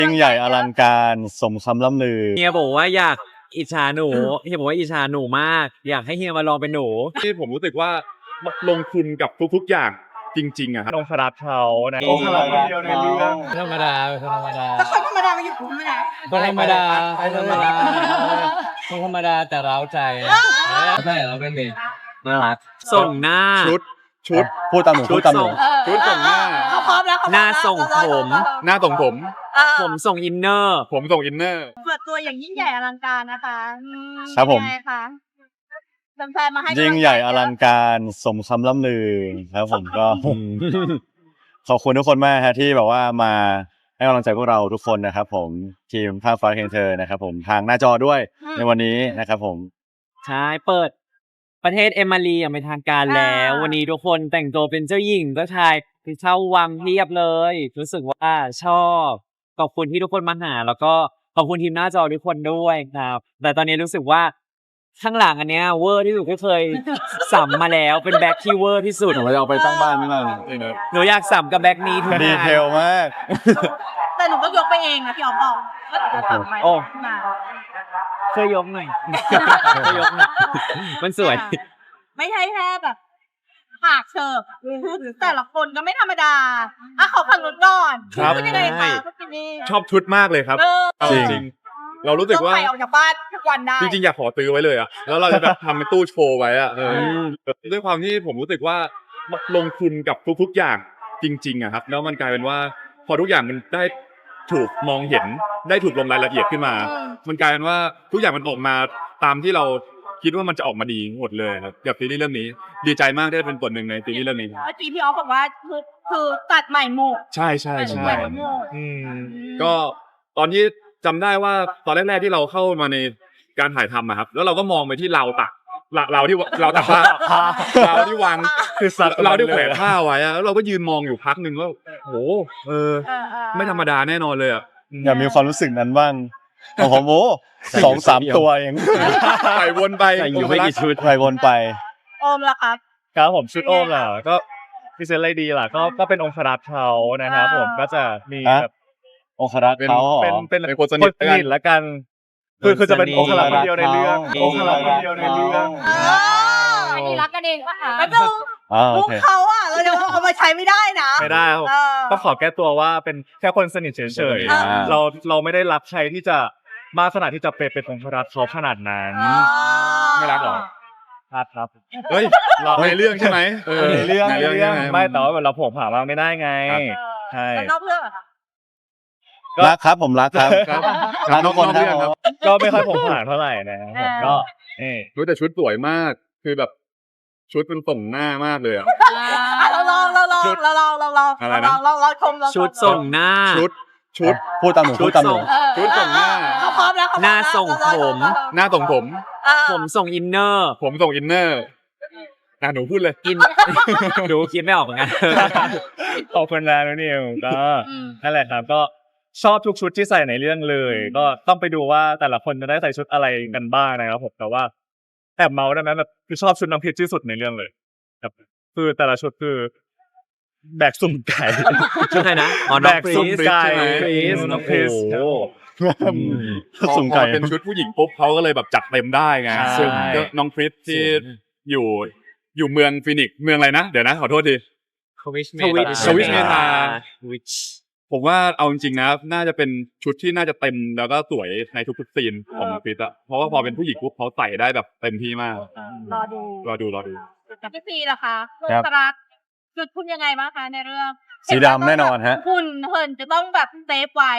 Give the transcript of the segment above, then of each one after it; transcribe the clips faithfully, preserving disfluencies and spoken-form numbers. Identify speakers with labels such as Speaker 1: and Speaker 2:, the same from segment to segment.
Speaker 1: ยิ่งใหญ่อลังการสมคำล่ำลือ
Speaker 2: เฮียบอกว่าอยากอิจฉาหนูเฮียบอกว่าอิจฉาหนูมากอยากให้เฮียมาลองเป็นหนู
Speaker 3: ที่ผมรู้สึกว่าลงทุนกับทุกๆอย่างจริงๆอะครับ
Speaker 4: องครักษ์เขานะ
Speaker 1: องครักษ์คนเดียวในเรื่อง
Speaker 2: ธรรมดาธรรมดา
Speaker 5: ถ้าคนธรรมดามาอยู่ธรรมดา
Speaker 2: คนธรรมดาคนธรรมดาคนธรรมดาแต่เร้าใจใช่เราเป็นเด็กน่ารักส่งหน้า
Speaker 3: ชุดชุด
Speaker 1: พูดตามหนูพูดตามหนู
Speaker 3: ชุดส่งหน้า
Speaker 5: เขาพร้อมแล้วเขพร้อม
Speaker 2: หน้าส่งผม
Speaker 3: หน้าส่งผม
Speaker 5: เออ
Speaker 2: ผมส่งอินเนอร์
Speaker 3: ผมส่งอินเนอร์
Speaker 5: เปิดตัวอย่างยิ่งใหญ่อลังการนะคะอื
Speaker 1: ครับผม
Speaker 5: ยังไงคะแฟนๆมาให้
Speaker 1: ยิ่งใหญ่อลังการสมคำล่ำลือครับผมก็ ขอบคุณทุกคนมากฮะที่แบบว่ามาให้กำลังใจพวกเราทุกคนนะครับผมทีมภาคฟ้าเคนเธอนะครับผมทางหน้าจอด้วยในวันนี้นะครับผม
Speaker 2: ใช่เปิดประเทศเอมารีอย่างเป็นทางการแล้ว วันนี้ทุกคนแต่งตัวเป็นเจ้าหญิงเจ้าชายที่เช่าวังเพียบเลย รู้สึกว่าชอบขอบคุณที่ทุกคนมาหา แล้วก็ขอบคุณทีมหน้าจอทุกคนด้วยครับ แต่ตอนนี้รู้สึกว่าข้างหลังอันเนี้ยเวอร์ที่สุดที่เคยสัมมาแล้วเป็นแบ็คที่เวอร์ที่สุด
Speaker 1: เราจะเอาไปตั้งบ้านไม่ได้
Speaker 2: หนูอยากสัมกับแบ็คนี้ทุก
Speaker 1: ดี
Speaker 2: งาน
Speaker 1: เทลมาก
Speaker 5: แต่หนูก็ยกไปเองนะพี่อ๋อมบอกว่าหนูจะทำไหม
Speaker 2: โอ้
Speaker 5: มา
Speaker 2: ช่วยยกหน่อย ช่วยยกหน่อยมันสวย
Speaker 5: ไม่ใช่แค่แบบปากเชิบแต่ละคนก็ไม่ธรรมดาอ่ะขอฟังนุนก่อน
Speaker 3: ครับ
Speaker 5: พูดยังไงคะพี่นี่
Speaker 3: ชอบชุดมากเลยครับ
Speaker 5: เออ
Speaker 3: เอาจริงๆเรารู้สึกว่า
Speaker 5: ต้องไปออกจากบ้านทุกวันได้
Speaker 3: จริงๆอยากขอซื้อไว้เลยอะแล้วเราจะแบบทำเป็นตู้โชว์ไว้อะเออด้วยความที่ผมรู้สึกว่าลงทุนกับทุกๆอย่างจริงๆอะครับแล้วมันกลายเป็นว่าพอทุกอย่างมันได้ถูกมองเห็นได้ถูกลงรายละเอียดขึ้นมา
Speaker 5: อืม
Speaker 3: มันกลายเป็นว่าทุกอย่างมันออกมาตามที่เราคิดว่ามันจะออกมาดีหมดเลยครับกับซีรีส์เรื่องนี้ ดีใจมากที่ได้เป็นส่วนหนึ่งในซีรีส์เรื่องนี้
Speaker 5: เมื่อกี้พี่อ๋อบอกว่าคือคือตัดใหม่หมด
Speaker 3: ใช่ใช่
Speaker 5: ตัด
Speaker 3: ใช่
Speaker 5: ใหม่หมด
Speaker 3: อืมก็ตอนที่จำได้ว่าตอนแรกๆที่เราเข้ามาในการถ่ายทำอะครับ แล้วเราก็มองไปที่เราตักเราเราที่เราตักผ้าเราที่วาง
Speaker 4: คือสัตว์
Speaker 3: เราที่แขวนผ้าไว้อะแล้วเราก็ยืนมองอยู่พักหนึ่งว่าโหเออ
Speaker 5: เออเออ
Speaker 3: ไม่ธรรมดาแน่นอนเลยอะ
Speaker 1: อยากมีความรู้สึกนั้นบ้างของผมโอ้สองสามตัวเอง
Speaker 3: ใส่วนไป
Speaker 2: ใส่อยู่ไม่กี่ชุด
Speaker 1: ไปวนไป
Speaker 5: โอมล่ะครับ
Speaker 4: ครับผมชุดโอมล่ะก็พิเศษอะไรดีล่ะก็ก็เป็นองครักษ์เขานะครับผมก็จะมี
Speaker 1: ฮะ
Speaker 4: แบบ
Speaker 1: องครักษ์เขาเหรอ
Speaker 4: เป็นเป็น
Speaker 3: เป็นคนส
Speaker 4: ค
Speaker 3: นิ
Speaker 4: น
Speaker 3: ท
Speaker 4: สนิทละกัน คือคือจะเป็นองครักษ์คนเดียวในเรื่อง
Speaker 1: อ๋อ
Speaker 4: องครักษ์คนเดียวในเรื่อง
Speaker 5: อ๋ออันนี้รักกันเองปะคะแล้วดู
Speaker 1: อ่าโอ
Speaker 5: มุก
Speaker 1: เค
Speaker 5: เขาอ่ะเราจะเอามาใช้ไม่ได้นะ
Speaker 4: ไม่ได้ครับ
Speaker 5: เออ
Speaker 4: ต้องขอแก้ตัวว่าเป็นแค่คนสนิทเฉย
Speaker 5: อ่า
Speaker 4: ๆเราเราไม่ได้รับใครที่จะมากขนาดที่จะเป็นเป็นองครักษ์เขาขนาดนั้น
Speaker 5: อ๋อ
Speaker 3: ไม่รักหรอ
Speaker 4: ครับครับ
Speaker 3: เฮ้ยในเรื่องใช่ไหมเออ
Speaker 1: ในเรื่อง
Speaker 3: ในเรื่องใช่ไหม
Speaker 4: ไม่แต่ว่าเราผงผางมากไม่ได้ไง
Speaker 3: ครับ
Speaker 4: ใช่
Speaker 5: แล้วนอกเรื่องอะคะ
Speaker 1: รักครับผมรักครับ
Speaker 3: ครับ
Speaker 1: รักทุกคน
Speaker 3: นอกเรื่อง
Speaker 1: ค
Speaker 3: ครั
Speaker 1: รับ
Speaker 3: บ
Speaker 4: ก็ไม่ค่อยผงผางเท่าไหร่นะครับผมก็นี่
Speaker 3: รู้แต่ชุดสวยมาก คือแบบชุดมันส่งหน้ามากเลยอ่ะ
Speaker 5: อ่ะเราลองเราลองเราลองเราลอง
Speaker 3: อะไร
Speaker 5: เรา
Speaker 3: นะ
Speaker 5: ลองเราลองชมเราชม
Speaker 2: ชุดส่งหน้า
Speaker 3: ชุดชุด
Speaker 1: พูดตามหนูพูดตามหนู
Speaker 5: เออ
Speaker 3: ชุดส่งหน้า
Speaker 5: เขาพร้อมแล้วเขพร้อม
Speaker 2: หน้า
Speaker 5: แล้ว
Speaker 2: ส่งผม
Speaker 3: หน้าส่งผม
Speaker 5: เออ
Speaker 2: ผมส่งอินเนอร์
Speaker 3: ผมส่งอินเนอร์อ่ะหนูพูดเลย
Speaker 2: อิน ดูคิดไม่ออกเหมือนกัน
Speaker 4: ขอบคุณนะนุนิวก็
Speaker 5: อืม
Speaker 4: นั่นแหละครับก็ชอบทุกชุดที่ใส่ในเรื่องเลย ก็ต้องไปดูว่าแต่ละคนจะได้ใส่ชุดอะไรกันบ้างนะครับผมแต่ว่าแอบเมาได้ไหมแบบคือชอบชุดน้ำพริกที่สุดในเรื่องเลยครับคือแต่ละชุดคือแบกสุ่มไก่
Speaker 2: ชุดไหนนะอ๋อน้
Speaker 4: แบ
Speaker 2: อง
Speaker 4: ก
Speaker 2: ฟรี
Speaker 4: สุ่ม
Speaker 2: ส
Speaker 4: ไก่
Speaker 2: ฟรีส
Speaker 4: น้องฟรีส
Speaker 2: โอ้โห
Speaker 3: พอ
Speaker 1: สุ่ม
Speaker 3: พ
Speaker 1: ไก่
Speaker 3: อเป็นชุดผู้หญิงปุ๊บเขาก็เลยแบบจัดเต็มได้ไง
Speaker 4: ใช่
Speaker 3: ซึ่งก็น้องคริสที่อยู่อยู่เมืองฟินิกซ์เมืองอะไรนะเดี๋ยวนะขอโทษที
Speaker 2: ทวิชเม
Speaker 3: ทวิชทวิชเมตา
Speaker 2: ทวิช
Speaker 3: ผมว่าเอาจริงๆนะน่าจะเป็นชุดที่น่าจะเต็มแล้วก็สวยในทุกๆซีนของน้องคริสอะเพราะว่าพอเป็นผู้หญิงปุ๊บเขาใส่ได้แบบเต็มที่มาก
Speaker 5: รอดู
Speaker 3: รอดูรอดู
Speaker 5: พี่ซีล่ะคะ
Speaker 1: ครับ
Speaker 5: สรักจุดคุณยังไงบ้างคะในเรื่อง
Speaker 1: สีดำแน่นอนฮะ
Speaker 5: คุณเหินจะต้องแบบเซฟไว้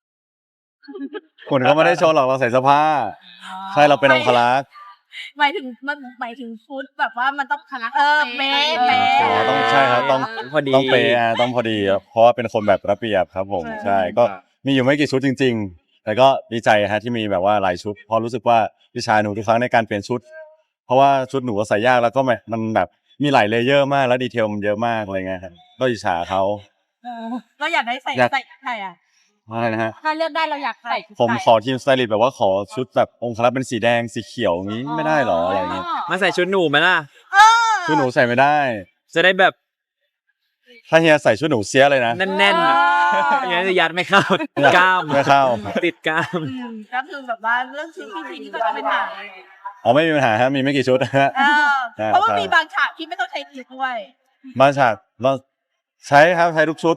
Speaker 1: คุณก็ไม่ได้โชว์หรอกเราใส่เสื้อผ้าใช่เราเป็นองครักษ์
Speaker 5: หมายถึงมันหมายถึงฟุตแบบว่ามันต้องคณะเออเป๊ะเป๊ะ
Speaker 1: อ๋อต้องใช่ครับต้อง
Speaker 2: พอดี
Speaker 1: ต้องเปย์อ่ะต้องพอดีครับเพราะว่าเป็นคนแบบระเบียบครับผม ใช่ก็มีอยู่ไม่กี่ชุดจริง ๆ แต่ก็ดีใจฮะที่มีแบบว่าหลายชุดเพราะรู้สึกว่าพี่ชายหนูทุกครั้งในการเปลี่ยนชุด เพราะว่าชุดหนูก็ใส่ยากแล้วก็แบบมันแบบมีหลายเลเยอร์มากแล้วดีเทลมันเยอะมากอะไรเงี้ยครับก็อิจฉาเขา
Speaker 5: เออเราอยากได้ใส่
Speaker 1: อยาก
Speaker 5: ใส่ใช่อ่ะ
Speaker 1: อะไรนะฮะ
Speaker 5: ถ้าเลือกได้เราอยากใส่
Speaker 1: ผมขอทีมสไตลิสต์แบบว่าขอชุดแบบองครักษ์เป็นสีแดงสีเขียวอย่างนี้ไม่ได้หรออะไรอย่างงี้
Speaker 2: มาใส่ชุดหนูไหมล่ะ
Speaker 5: เออ
Speaker 1: ชุดหนูใส่ไม่ได้
Speaker 2: จะได้แบบ
Speaker 1: ถ้าเฮียใส่ชุดหนูเสียเลยนะ
Speaker 2: แน่นๆอ่ะอย่างนี้นจะยัดไม่เข้ากล้าม
Speaker 1: ไม่เข้า
Speaker 2: ติดกล้าม
Speaker 5: อืมก็คือแบบว่าเรื่องชุดพี่พีนี่ก็จะเป็นหนัง
Speaker 1: อ๋อไม่มีปัญหาฮะมีไม่กี่ชุดฮะ
Speaker 5: เออ
Speaker 1: ใช่
Speaker 5: เพราะว่า
Speaker 1: ใช่
Speaker 5: มีบางฉากที่ไม่ต้องใช้ทีด้วย
Speaker 1: บางฉากเราใช้ครับใช้ทุกชุด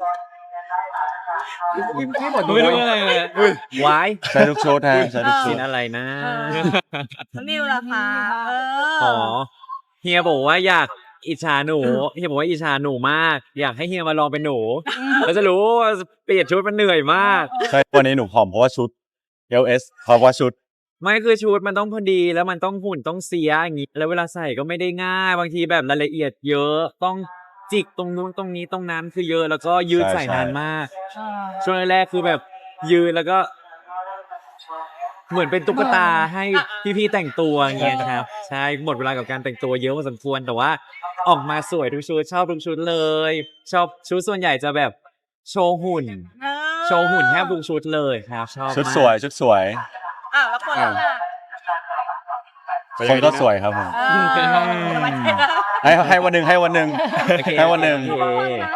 Speaker 2: ไม่รู้อะไรเลยวาย
Speaker 1: ใช้ทุกชุดฮะใช้ทุกชุ
Speaker 2: กิ
Speaker 1: ด
Speaker 2: นอะไรนะ
Speaker 5: เออ แล้วนิวล่ะคะเออ
Speaker 2: อ๋อเฮียบอกว่าอยากอิจฉาหนูเฮียบอกว่าอิจฉาหนูมาก อยากให้เฮียมาลองเป็นหนูแล้วจะรู้ว่าเปลี่ยนชุดมันเหนื่อยมาก
Speaker 1: ใช่วันนี้หนูผอมเพราะว่าชุด เอล เอส เพราะว่าชุด
Speaker 2: ไม่คือชุดมันต้องพอดีแล้วมันต้องหุ่นต้องเสียอย่างนี้แล้วเวลาใส่ก็ไม่ได้ง่าย บางทีแบบรายละเอียดเยอะต้องจิกตรงนู้นตรงนี้ตรงนั้นคือเยอะแล้วก็ยืด
Speaker 1: ใช่
Speaker 2: ใส่
Speaker 1: ใช่
Speaker 2: นานมาก ช่วงแรกๆคือแบบยืนแล้วก็ เหมือนเป็นตุ๊กตาให้พี่ๆแต่งตัวอย่างเงี้ยนะครับใช่หมดเวลากับการแต่งตัวเยอะพอสมควรแต่ว่าออกมาสวยทุกชุดชอบทุกชุดเลย ชอบชุดส่วนใหญ่จะแบบโชว์หุ่น
Speaker 5: เออ
Speaker 2: โชว์หุ่นแทบทุกชุดเลยครับชอบ
Speaker 1: ชุด
Speaker 2: มาก
Speaker 1: สวยชุดสวย
Speaker 5: อ่ะแล้วคนละล่ะ
Speaker 1: คนก็สวยครับผม
Speaker 5: เออ
Speaker 1: ให้ให้วันหนึ่งให้วันหนึ่ง
Speaker 2: โอเค
Speaker 1: ให้วันหนึ่ง
Speaker 2: โอเค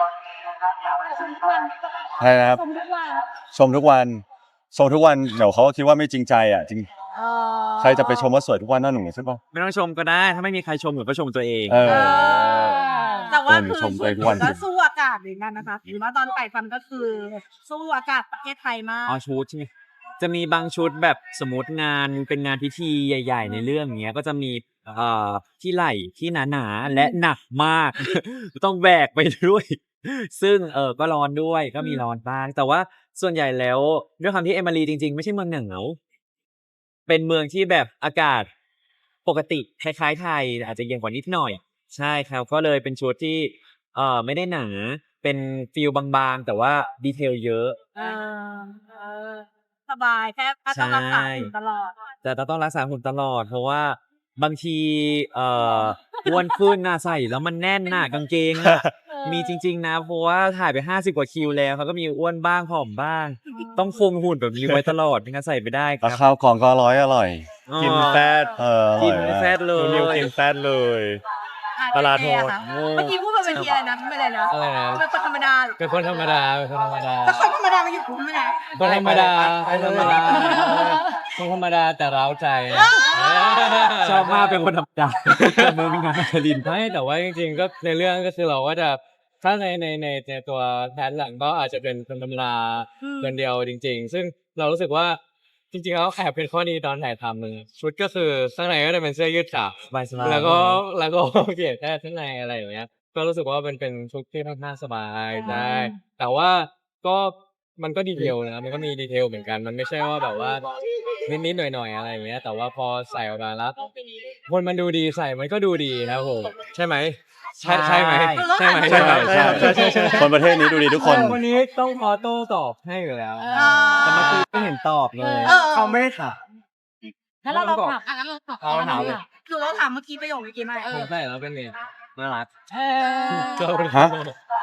Speaker 1: ใช่ครับชมทุกวันชมทุกวันเดี๋ยวเขาก็คิดว่าไม่จริงใจอ่ะจริง
Speaker 5: เออ
Speaker 1: ใครจะไปชมว่าสวยทุกวันนั่นหนูใช่ปะ
Speaker 2: ไม่ต้องชมก็ได้ ถ้าไม่มีใครชมหนูก็ชมตัวเอง
Speaker 1: เออ
Speaker 5: เออแต่ว่า
Speaker 1: เออหนู
Speaker 5: คือ
Speaker 1: ชมตัวเองทุกวัน
Speaker 5: ก็สู้อากาศเหมือนกันนะคะหรือว่าตอนไก่ฟันก็คือสู้อากาศประเทศไทยมาก
Speaker 2: อ๋อชุดใช่ไหมจะมีบางชุดแบบสมมติงานเป็นงานพิธีใหญ่ ๆ ในเรื่องอย่างเงี้ยก็จะมีเอ่อที่ไหล่ที่หนาๆและหนักมาก ต้องแบกไปด้วย ซึ่งเออก็ร้อนด้วยก็มีร้อนบ้าง แต่ว่าส่วนใหญ่แล้วด้วยความที่เอมิลีจริง ๆ ไม่ใช่เมืองหนาวเป็นเมืองที่แบบอากาศปกติคล้ายๆไทยแต่อาจจะเย็นกว่านิดหน่อย ใช่ครับก็เลยเป็นชุดที่เออไม่ได้หนาเป็นฟิลบางๆ แต่ว่าดีเทลเยอะ
Speaker 5: เออเออสบายแค่แค่ต้องรักษาหุ่นตลอด
Speaker 2: แต่เราต้องรักษาหุ่นตลอด เพราะว่าบางทีเอ่ออ้วนขึ้นน่ะใส่แล้วมันแน่นน่ะกางเกงอ่ะมีจริง ๆ นะ เพราะว่าถ่ายไปห้าสิบกว่าคิวแล้วเขาก็มีอ้วนบ้างผอมบ้าง ต้องคงหุ่นแบบนี้ไว้ตลอดไม่งั้นใส่ไม่ได้ค
Speaker 1: แล้
Speaker 2: รั
Speaker 1: ว
Speaker 2: บ
Speaker 1: ข้าวกล่องก็อร่อยอร่อย
Speaker 2: อ๋อ
Speaker 4: กินแฟต
Speaker 1: เอออ
Speaker 2: กิ
Speaker 1: ร่
Speaker 2: น
Speaker 1: อย
Speaker 2: ไม่
Speaker 1: มาก
Speaker 2: แฟตเล
Speaker 4: คุณนิวย กินแฟตเลย
Speaker 5: อ่ะ
Speaker 4: ตลาดโหด
Speaker 5: เจ๊อะค่ะเมื่อกี้พูดมาเป็นทีอะไรนะไม่เลยนะ
Speaker 6: อะไรนะ
Speaker 5: เป็นคนธรรมดาเหรอ
Speaker 6: เป็นคนธรรมดา เป็นคนธรรมดา
Speaker 5: แต่คนธรรมดามาอยู่คุณไม่ได้
Speaker 6: คนธรรมดาคนธรรมดาคนธรรมดาแต่เร้าใจ
Speaker 2: ชอบมากเป็นคนธรรมดาแต่มือมีงานคาริน
Speaker 6: ไม่แต่ว่าจริงๆก็ในเรื่องก็คือเราก็จะถ้าในในในในตัวแพทหลังก็อาจจะเป็นคนธรรมดาคนเดียวจริง ๆ ซึ่งเรารู้สึกว่าจริงๆแล้วแอบเป็นข้อดีตอนถ่ายทำเลยชุดก็คือข้างในก็จะเป็นเสื้อยืดขาว
Speaker 2: สบายๆ
Speaker 6: แล้วก็แล้วก็เปลี่ยนแค่ข้างในอะไรอย่างเงี้ย ก็รู้สึกว่าเป็นเป็นชุดที่ค่อนข้างสบายได้แต่ว่าก็มันก็ดีเทลนะมันก็มีดีเทลเหมือนกัน มันไม่ใช่ว่าแบบว่านิดๆหน่อยๆอะไรอย่างเงี้ยแต่ว่าพอใส่ออกมาแล้วคนมันดูดีใส่มันก็ดูดีครับผมใช่ไหมใช่ใช่ไหมใช่ไหม
Speaker 1: ใช่ใช่ใช่ใช่ใช่คนประเทศนี้ดูดีทุกคน
Speaker 6: วันนี้ต้องขอโต้ตอบให้อยู่แล้ว
Speaker 5: อ่า
Speaker 2: แต่เมื่อกี้ไม่เห็นตอบเลย
Speaker 5: เออ
Speaker 4: เขาไม่ค่ะ
Speaker 5: แล้วเราลองถามอ่ะงั้นเราถาม
Speaker 6: เอาถามเลย
Speaker 5: คือเราถามเมื่อกี้ประโยคเมื่อกี้ไหมเอ
Speaker 6: ผ
Speaker 5: อ
Speaker 6: มใส่แล้วเป็นไงน่ารัก
Speaker 5: เออ
Speaker 6: ก็เป็น
Speaker 1: ฮะ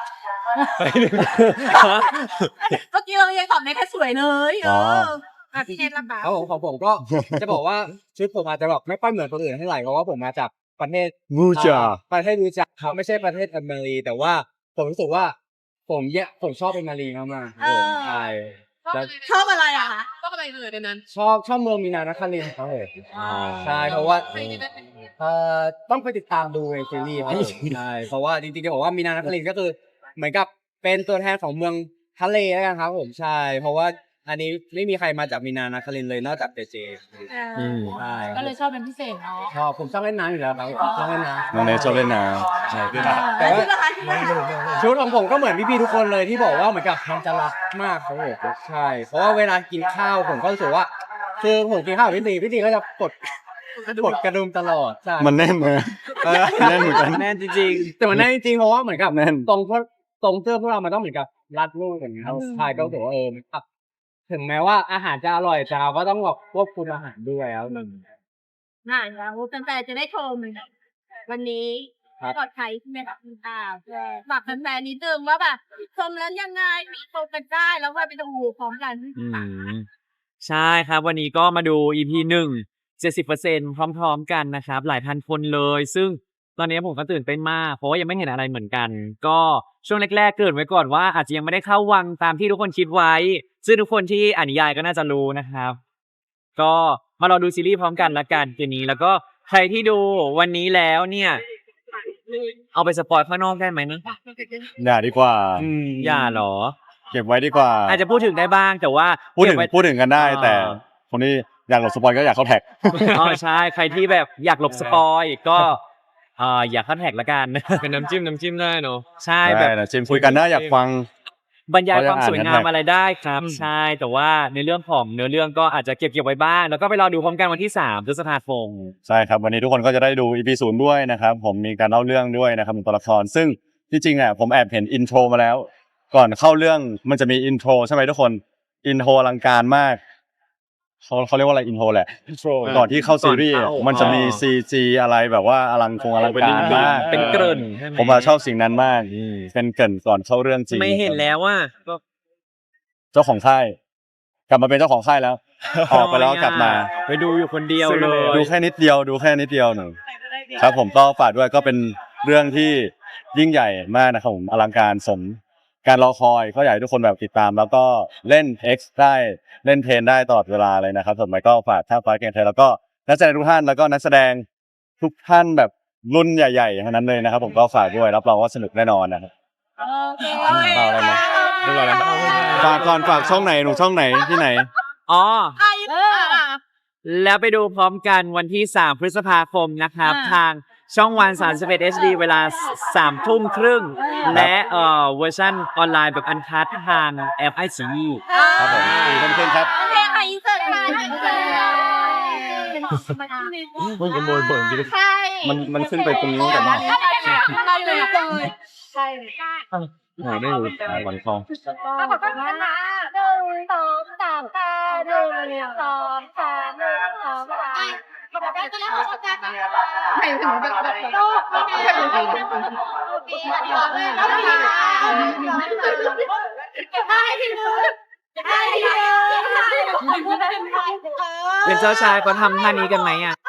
Speaker 5: เมื่อกี้เรายังตอบในแค่สวยเลยเอ
Speaker 1: อ๋อ
Speaker 5: ออ่ะพี่เนทละคะ
Speaker 6: ครับผมของผมก็ จะบอกว่าชุดผมอาจจะแบบไม่ค่อยเหมือนคนอื่นเท่าไหร่เพราะว่าผมมาจากประเทศ
Speaker 1: งูจ่า
Speaker 6: อ่าประเทศรู้จักครับไม่ใช่ประเทศอเมริกาแต่ว่าผมรู้สึกว่า ผมเยะผมชอบเป็นมารีมากๆครับผมใช่แล้ว
Speaker 5: ชอบอะไรอะคะ
Speaker 7: ก็อะไรเลยในนั้น
Speaker 6: ชอบชอบเมืองมีนานครินทร์ครับผมใช่เพราะว่าเอ่อต้องไปติดตามดูในซีรีส์ครับผมใช่เพราะว่าจริงๆจะบอกว่ามีนานครินทร์ก็คือ เหมือนกับเป็นตัวแทนของเมืองทะเลแล้วกันครับผมใช่ เพราะว่าอันนี้ไม่มีใครมาจากมีนานครินทร์เลยนอกจากเจเจ
Speaker 2: อืม
Speaker 6: ใช่
Speaker 7: ก็เลยชอบเป็นพิเศษเนาะ
Speaker 6: ชอบผมชอบเล่นน้ำอยู่แล้วครับผมชอบเล่นน้ำ
Speaker 1: น้องเนทชอบเล่นน้ำใช่
Speaker 6: แต่ว่า
Speaker 5: ชุดละคะชุดละคะ
Speaker 6: ชุดของผมก็เหมือนพี่ๆทุกคนเลยที่บอกว่าเหมือนกับมันจะรักมากครับผมใช่ เพราะว่าเวลากินข้าวผมก็รู้สึกว่าคือผมกินข้าวกับพี่ตีพี่ตีก็จะกดกดกระดุมตลอดใช่
Speaker 1: มันแน่นเลยแน่นเหมือนกัน
Speaker 2: แน่นจริง
Speaker 6: แต่มันแน่จริงๆเพราะว่าเหมือนกับ
Speaker 1: แน่น
Speaker 6: ตรงพวกตรงเสื้อพวกเรามันต้องเหมือนกับรัดรูปอย่างเงี้ยครับใช่ก็รู้สึกว่าเออมันแบบถึงแม้ว่าอาหารจะอร่อยแต่เราก็ต้องแบบควบคุมอาหารด้วยครับ
Speaker 5: น่าแล้วแฟนๆจะได้ชมวันนี้
Speaker 6: ครับ
Speaker 5: ปลอดภัยใช่ไหมคะอ่าฝากแฟนๆนิดนึงว่าแบบชมแล้วยังไงมีชมกันได้แล้วว่าไปดูพร้อมกัน
Speaker 2: ๆอืมใช่ครับ วันนี้ก็มาดู อี พี หนึ่ง เจ็ดสิบเปอร์เซ็นต์พร้อม ๆ กันนะครับ หลายพันคนเลย ซึ่งตอนนี้ผมก็ตื่นเต้นมาก เพราะว่ายังไม่เห็นอะไรเหมือนกัน ก็ช่วงแรกๆเกริ่นไว้ก่อนว่าอาจจะยังไม่ได้เข้าวังตามที่ทุกคนคิดไว้ ซึ่งทุกคนที่อ่านนิยายก็น่าจะรู้นะครับ ก็มารอดูซีรีส์พร้อมกันละกันคืนนี้ แล้วก็ใครที่ดูวันนี้แล้วเนี่ย เอาไปสปอยข้างนอกได้ไหมนะ
Speaker 1: อย่าดีกว่า
Speaker 2: อืมอย่าเหรอ
Speaker 1: เก็บไว้ดีกว่า
Speaker 2: อาจจะพูดถึงได้บ้างแต่ว่า
Speaker 1: พูดถึง
Speaker 2: เก็บไว้
Speaker 1: พูดถึงกันได้
Speaker 2: อ่า
Speaker 1: แต่คนที่อยากหลบสปอยก็อยากเข้าแท็ก
Speaker 2: อ๋อใช่ ใครที่แบบอยากหลบสปอยก็เอ่ออย่าเข้าแท็กละกัน
Speaker 6: เป็นน้ำจิ้มน้ำจิ้มได้เนาะ
Speaker 2: ใช่แบบ
Speaker 1: ได้นะจิมคุยกันนะอยากฟัง
Speaker 2: บรรยายความ
Speaker 1: เขายัง
Speaker 2: สวย
Speaker 1: อ่าน
Speaker 2: งาม
Speaker 1: กัน
Speaker 2: อะไรได้ครับ
Speaker 6: อืม
Speaker 2: ใช่แต่ว่าในเรื่องของเนื้อเรื่องก็อาจจะเก็บเก็บไว้บ้าง แล้วก็ไปรอดูพร้อมกันวันที่สามพฤษภาคม
Speaker 1: ใช่ครับวันนี้ทุกคนก็จะได้ดู อี พี ศูนย์ด้วยนะครับผมมีการเล่าเรื่องด้วยนะครับของตัวละคร ซึ่งที่จริงอ่ะผมแอบเห็นอินโทรมาแล้ว ก่อนเข้าเรื่องมันจะมีอินโทรใช่ไหมทุกคนอินโทรอลังการมากเขาเขาเรียกว่าอะไรอินโทรแหละก่อนที่เข้าซีรีส์อ่ะ
Speaker 2: ก่อนเข้า
Speaker 1: มันจะมี
Speaker 2: อ๋อ
Speaker 1: ซี จี อะไรแบบว่าอลังคงอลังการมาก
Speaker 2: เป็นเกริ่นใช่ไหม
Speaker 1: ผมมาชอบสิ่งนั้นมากเป็นเกริ่นก่อนเข้าเรื่องจริง
Speaker 2: ไม่เห็นแล้วว่าก็
Speaker 1: เจ้าของค่าย กลับมาเป็นเจ้าของค่ายแล้ว ออกไปแล้วกลับมา
Speaker 2: ไปดูอยู่คนเดียวเลย
Speaker 1: ดูแค่นิดเดียวดูแค่นิดเดียวหนึ่งครับผมก็ฝากด้วยก็เป็นเรื่องที่ยิ่งใหญ่มากนะครับผมอลังการสมการรอคอยก็อยากให้ทุกคนแบบติดตาม แล้วก็เล่น X ได้เล่นเพลนได้ตลอดเวลาเลยนะครับส่วนใหม่ก็ฝากท่าฟ้าเกมไทยแล้วก็นักแสดงทุกท่านแล้วก็นักแสดงทุกท่านแบบรุ่นใหญ่ๆทั้งนั้นเลยนะครับ ผมก็ฝากด้วยรับรองว่าสนุกแน่นอนนะครับ
Speaker 5: โอเค
Speaker 1: เปล่าอะไรไหม
Speaker 3: เรียบร้อยแล้ว
Speaker 1: ฝากก่อนฝากช่องไหนหนูช่องไหนที่ไหน
Speaker 2: อ๋อ
Speaker 5: ใครเออ
Speaker 2: แล้วไปดูพร้อมกันวันที่สามพฤษภาคมนะครับ
Speaker 5: อ่า
Speaker 2: ทางช่องวันสามสิบเอ็ด เอช ดี เวลาสามทุ่มครึ่ง และเอ่อเวอร์ชันออนไลน์แบบอันคัดทางแอปไอซี
Speaker 1: ครับผมสี่ทุ่มครึ่งครับ
Speaker 5: โอเคค่ะอินเสิร์ตค่ะอินเสิร์ตค่ะ
Speaker 6: มึงขโมยเบิร์นดิ
Speaker 5: ใช่
Speaker 1: มันมันขึ้นไปตรงนู้นแต่ว่า
Speaker 5: เราเลยเลยใช่
Speaker 1: หาไม่รู้หวันทอง
Speaker 5: ขอบคุณนะหนึ่งสองสามค่ะหนึ่งสองสามหนึ่งสองสามขอบคุณนะขอบคุณนะไม่ถึงแบบแบบโลกไม่ถึงแบบโอเคเดี๋ยวเลยนะคะได้ทีนึงได้ทีนึง
Speaker 2: เป็นเจ้าชายเขาทำท่านี้กันไหมอ่ะ